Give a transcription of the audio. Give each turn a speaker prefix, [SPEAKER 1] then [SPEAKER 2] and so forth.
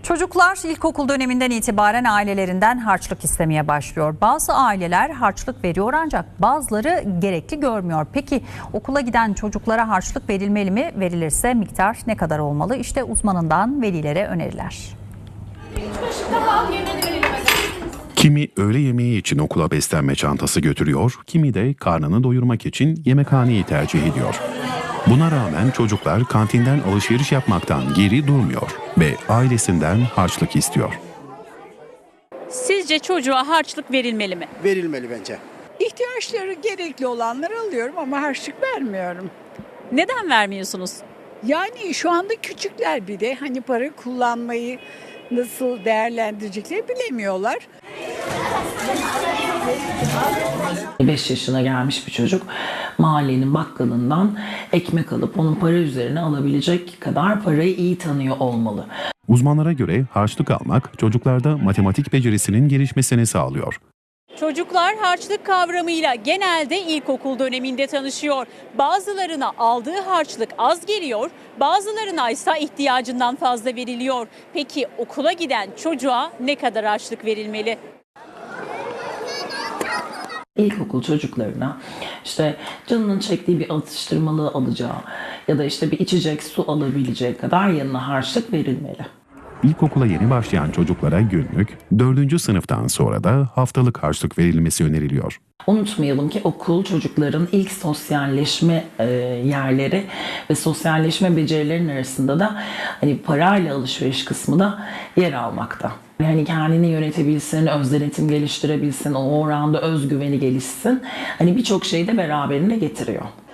[SPEAKER 1] Çocuklar ilkokul döneminden itibaren ailelerinden harçlık istemeye başlıyor. Bazı aileler harçlık veriyor ancak bazıları gerekli görmüyor. Peki okula giden çocuklara harçlık verilmeli mi? Verilirse miktar ne kadar olmalı? İşte uzmanından velilere öneriler.
[SPEAKER 2] Kimi öğle yemeği için okula beslenme çantası götürüyor, kimi de karnını doyurmak için yemekhaneyi tercih ediyor. Buna rağmen çocuklar kantinden alışveriş yapmaktan geri durmuyor ve ailesinden harçlık istiyor.
[SPEAKER 3] Sizce çocuğa harçlık verilmeli mi?
[SPEAKER 4] Verilmeli bence.
[SPEAKER 5] İhtiyaçları gerekli olanları alıyorum ama harçlık vermiyorum.
[SPEAKER 3] Neden vermiyorsunuz?
[SPEAKER 5] Yani şu anda küçükler bir de hani para kullanmayı nasıl değerlendirecekleri bilemiyorlar.
[SPEAKER 6] 5 yaşına gelmiş bir çocuk mahallenin bakkalından ekmek alıp onun para üzerine alabilecek kadar parayı iyi tanıyor olmalı.
[SPEAKER 2] Uzmanlara göre harçlık almak çocuklarda matematik becerisinin gelişmesini sağlıyor.
[SPEAKER 3] Çocuklar harçlık kavramıyla genelde ilkokul döneminde tanışıyor. Bazılarına aldığı harçlık az geliyor, bazılarına ise ihtiyacından fazla veriliyor. Peki okula giden çocuğa ne kadar harçlık verilmeli?
[SPEAKER 6] İlkokul çocuklarına işte canının çektiği bir atıştırmalığı alacağı ya da işte bir içecek su alabileceği kadar yanına harçlık verilmeli.
[SPEAKER 2] İlkokula yeni başlayan çocuklara günlük, 4. sınıftan sonra da haftalık harçlık verilmesi öneriliyor.
[SPEAKER 6] Unutmayalım ki okul çocukların ilk sosyalleşme yerleri ve sosyalleşme becerilerinin arasında da hani parayla alışveriş kısmı da yer almakta. Yani kendini yönetebilsin, öz denetim geliştirebilsin, o oranda özgüveni gelişsin. Hani birçok şeyi de beraberinde getiriyor.